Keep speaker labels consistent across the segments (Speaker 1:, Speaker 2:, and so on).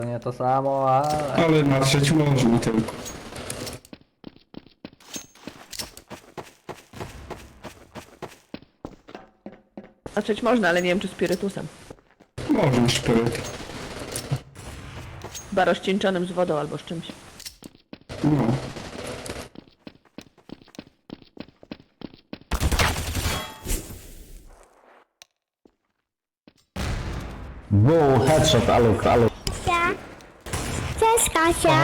Speaker 1: Nie to samo, ale...
Speaker 2: Ale natrzeć można tylko.
Speaker 3: Znaczyć można, ale nie wiem czy spirytusem.
Speaker 2: Można szpyryt.
Speaker 3: Chyba rozcieńczonym z wodą albo z czymś.
Speaker 2: No.
Speaker 4: Boom, headshot, aluk.
Speaker 5: Kasia. Cześć Kasia.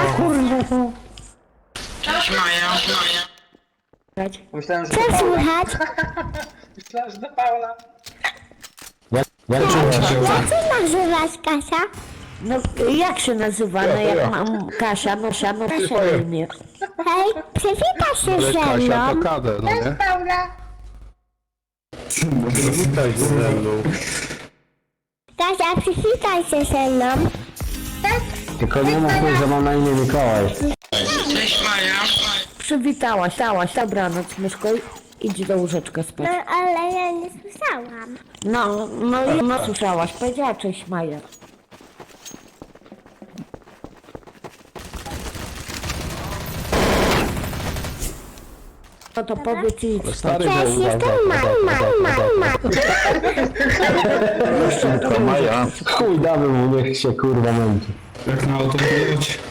Speaker 6: Cześć Maja.
Speaker 7: Myślałem, że
Speaker 5: Co
Speaker 7: do Paula.
Speaker 5: słychać?
Speaker 7: Myślałem, że do Paula.
Speaker 4: Jak czujesz?
Speaker 5: Jak się nazywasz Kasia?
Speaker 8: No jak się nazywa? No jak mam Kasia, no Kasia na imię.
Speaker 5: Hej, przywitaj się ze mną.
Speaker 9: Kadę, no nie?
Speaker 7: Paula!
Speaker 9: Witaj ze mną.
Speaker 5: Kasia, przywitaj się ze mną.
Speaker 4: Tylko nie mów mi, że mam na imię Mikołaj.
Speaker 6: Cześć Maja.
Speaker 8: Przywitałaś, dobranoc myszko, idź do łóżeczka
Speaker 5: No
Speaker 8: spać.
Speaker 5: ale ja nie słyszałam.
Speaker 8: No słyszałaś, powiedziała cześć Maja. No to powiedz i idź spać.
Speaker 9: Stary
Speaker 5: Cześć,
Speaker 9: był,
Speaker 5: jestem Mama.
Speaker 9: Maja.
Speaker 4: Chuj, damy mu, niech się kurwa męczy.
Speaker 2: Jak na autopilocie.